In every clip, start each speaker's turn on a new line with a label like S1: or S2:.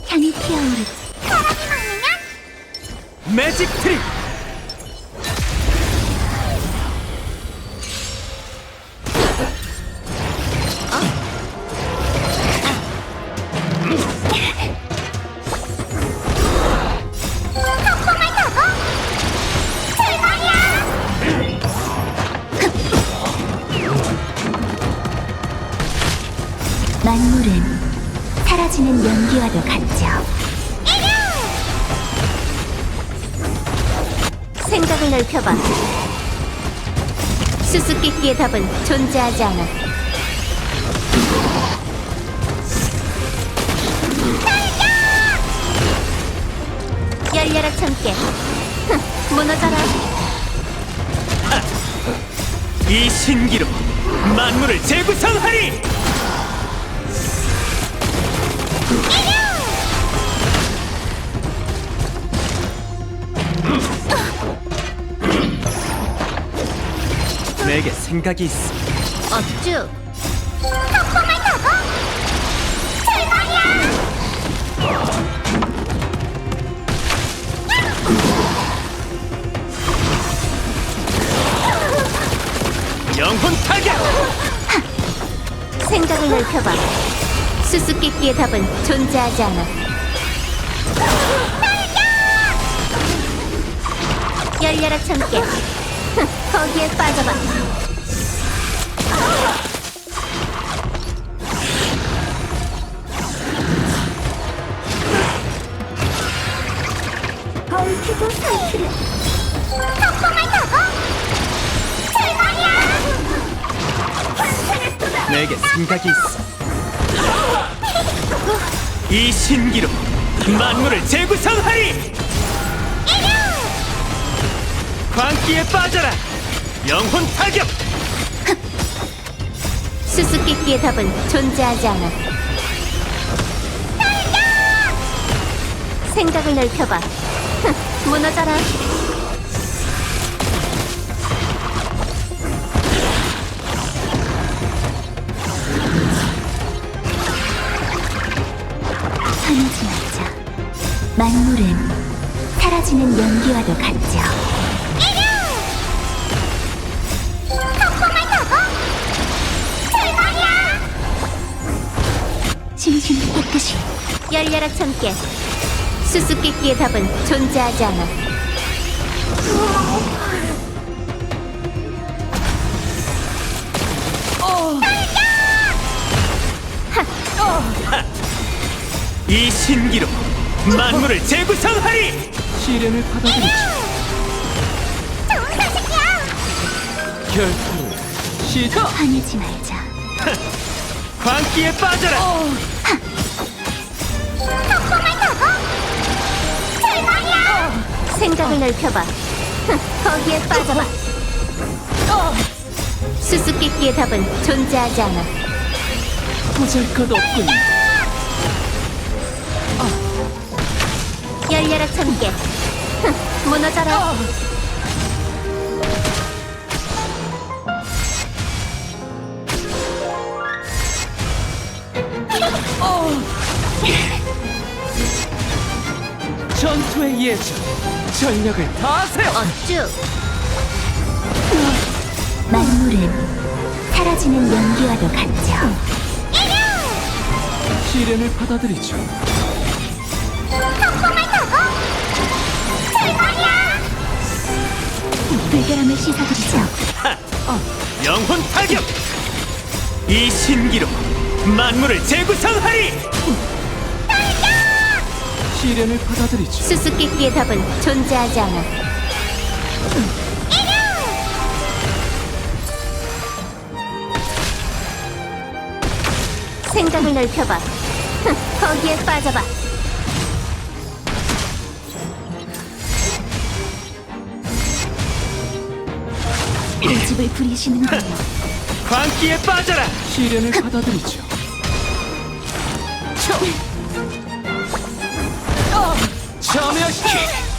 S1: 향이 피어오르.
S2: 사람이 막으면
S3: 매직 트릭!
S2: 폭풍을 타고 출발이야.
S1: 만물은 사라지는 연기와도 같죠. 생각을 넓혀봐. 수수께끼의 답은 존재하지 않아. 열려라 참깨. 무너져라.
S3: 이 신기로 만물을 재구성하리! 내게 생각이 있어.
S1: 어쭈.
S2: 폭풍을 타고 출발이야.
S3: 영혼 타격!
S1: 생각을 넓혀봐. 수수께끼의 답은 존재하지 않아. 열려라 참깨. 거기에 빠져봐.
S2: 얽히고 설키를 폭풍을 타고 출발이야. 환상의 쏟아.
S3: 내게 생각이 있어. 이 신기로 만물을 재구성하리! 광기에 빠져라! 영혼 타격!
S1: 수수께끼의 답은 존재하지 않아. 생각을 넓혀봐. 무너져라. 화내지 말자. 만물은 사라지는 연기와도 같죠.
S2: 폭풍을 타고 출발이야.
S1: 심신을 깨끗이. 열려라 참깨. 수수께끼의 답은 존재하지 않아.
S3: 이 신기로 만물을 재구성하리! 시련을 받아들이지.
S2: 좋은 소식이야.
S3: 결투 시작!
S1: 화내지 말자.
S3: 광기에 빠져라!
S2: 폭풍을 타고 출발이야.
S1: 생각을 넓혀봐. 거기에 빠져봐. 수수께끼의 답은 존재하지 않아.
S3: 보잘것없군.
S1: 열려라 참깨. 무너져라.
S3: 전투의 예전, 전력을 다하세요!
S1: 어쭈. 만물은 사라지는 연기와도 같죠.
S3: 시련을 받아들이죠.
S2: 폭풍을 타고 출발이야.
S1: 불결함을 씻어드리죠.
S3: 영혼 타격! 이 신기로 만물을 재구성하리! 시련을 받아들이죠.
S1: 수수께끼의 답은 존재하지 않아. 생각을 넓혀봐. 거기에 빠져봐. 고집을 부리시는군요.
S3: 광기에 빠져라! 시련을 받아들이죠. 점여시키!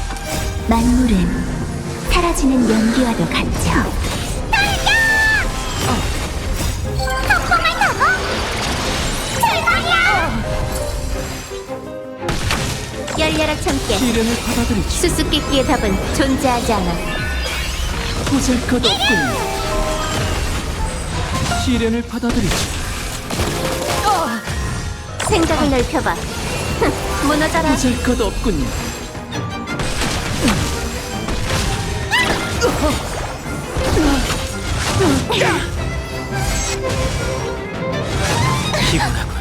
S1: 만물은 사라지는 연기와도 같죠.
S2: 폭풍을 타고 출발이야.
S1: 참깨.
S3: 시련을 받아들이죠.
S1: 수수께끼의 답은 존재하지 않아.
S3: 보잘것없군요. 시련을 받아들이죠.
S1: 생각을 넓혀봐. 흥, 무너져라.
S3: 보잘것없군요. 피곤하군.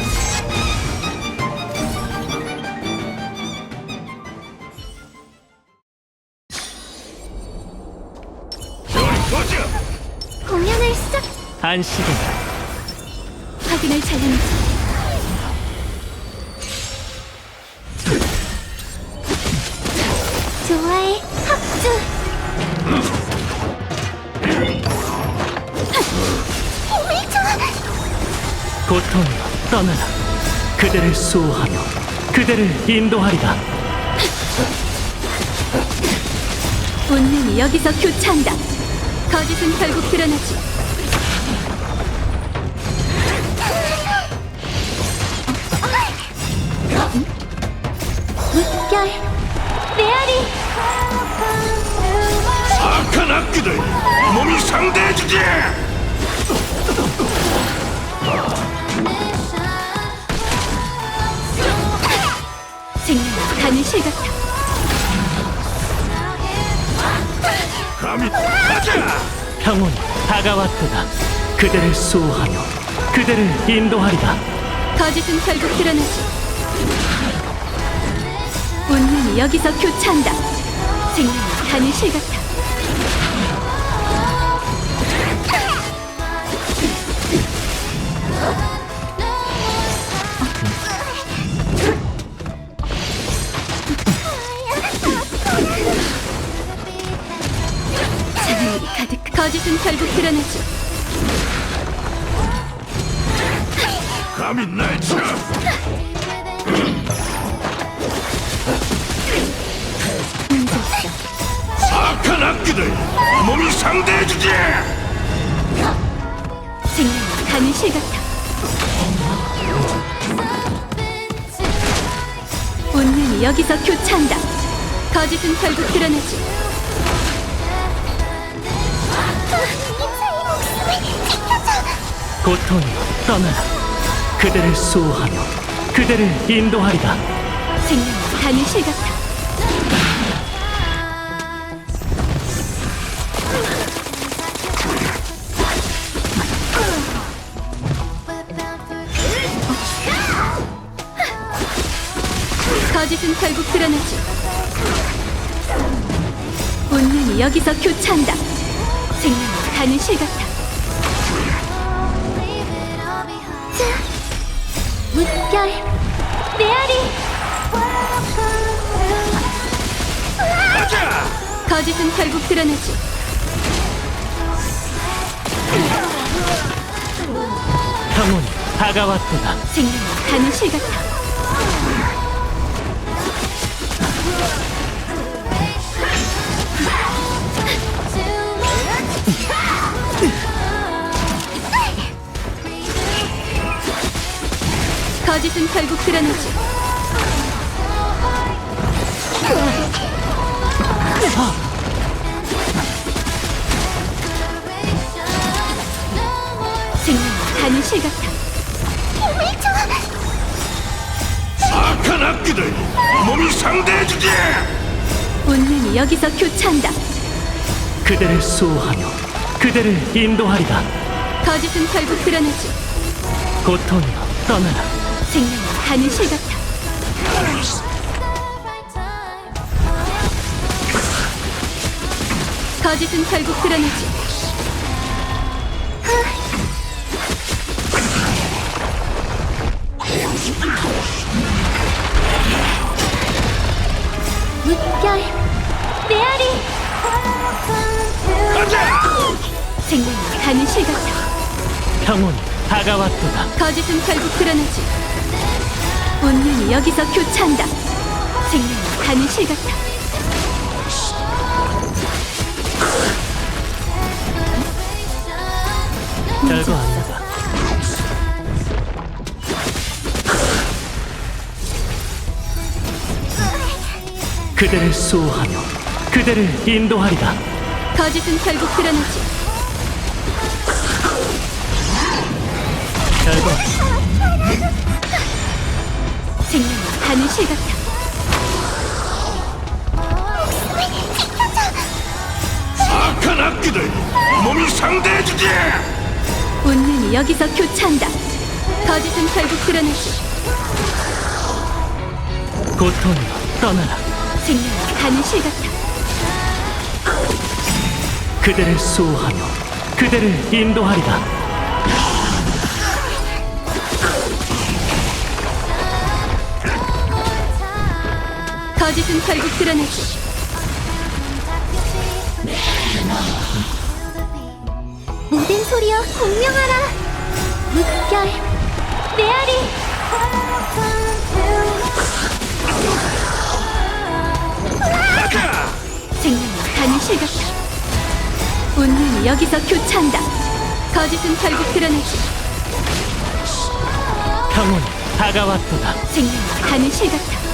S2: 공연을 시작.
S3: 안식은
S1: 확인을 잘해내지.
S2: 좋아해. 합주. 힘을 줘.
S3: 고통이여 떠나라. 그대를 수호하며 그대를 인도하리라.
S1: 운명이 여기서 교차한다. 거짓은 결국 드러나지.
S2: 물결. 메아리.
S4: 악한 악기들 몸이 상대해주지.
S1: 생명은 가는 실 같아.
S4: 감히 가자.
S3: 평온이 다가왔도다. 그대를 수호하며 그대를 인도하리라.
S1: 거짓은 결국 드러나지. 운명이 여기서 교차한다. 생명은 가는 실 같아. 사랑이 가득. 거짓은 결국 드러나지.
S4: 감히 날 쳐. 악한 악기들 몸이 상대해주지.
S1: 생명은 가는 실 같아. 운명이 여기서 교차한다. 거짓은 결국 드러나지.
S2: 인사의 목숨을 지켜줘.
S3: 고통이여 떠나라. 그대를 수호하며 그대를 인도하리라.
S1: 생명은 가는 실 같아. 거짓은 결국 드러나지. 운명이 여기서 교차한다. 생명은 가는 실 같아.
S2: 물결. 메아리.
S4: 가자.
S1: 거짓은 결국 드러나지.
S3: 평온이 다가왔도다.
S1: 생명은 가는 실 같아. 거짓은 결국 드러나지. 생명은 가는 실 같아.
S2: 힘을 줘.
S4: 악한 악기들 몸이 상대해주지.
S1: 운명이 여기서 교차한다.
S3: 그대를 수호하며 그대를 인도하리라.
S1: 거짓은 결국 드러나지.
S3: 고통이여 떠나라.
S1: 생명은 가는 실 같아. 거짓은 결국 드러나지.
S2: 물결. 메아리.
S4: 가자.
S1: 생명은 가는 실 같아.
S3: 평온이 다가왔도다.
S1: 거짓은 결국 드러나지. 운명이 여기서 교차한다. 생명은 가는 실 같아.
S3: 별거 아니다. 그대를 수호하며 그대를 인도하리라.
S1: 거짓은 결국 드러나지.
S3: 결과
S1: 생명은 가는 실 같아.
S4: 악한 악기들 몸이 상대해주지.
S1: 운명이 여기서 교차한다. 거짓은 결국 드러나지.
S3: 고통이여 떠나라.
S1: 생명은 가는 실 같아.
S3: 그대를 수호하며 그대를 인도하리라.
S1: 거짓은 결국 드러나지.
S2: 모든 소리여 공명하라. 물결 메아리.
S4: 가자.
S1: 생명은 가는 실 같아. 운명이 여기서 교차한다. 거짓은 결국 드러나지.
S3: 평온이 다가왔도다.
S1: 생명은 가는 실 같아.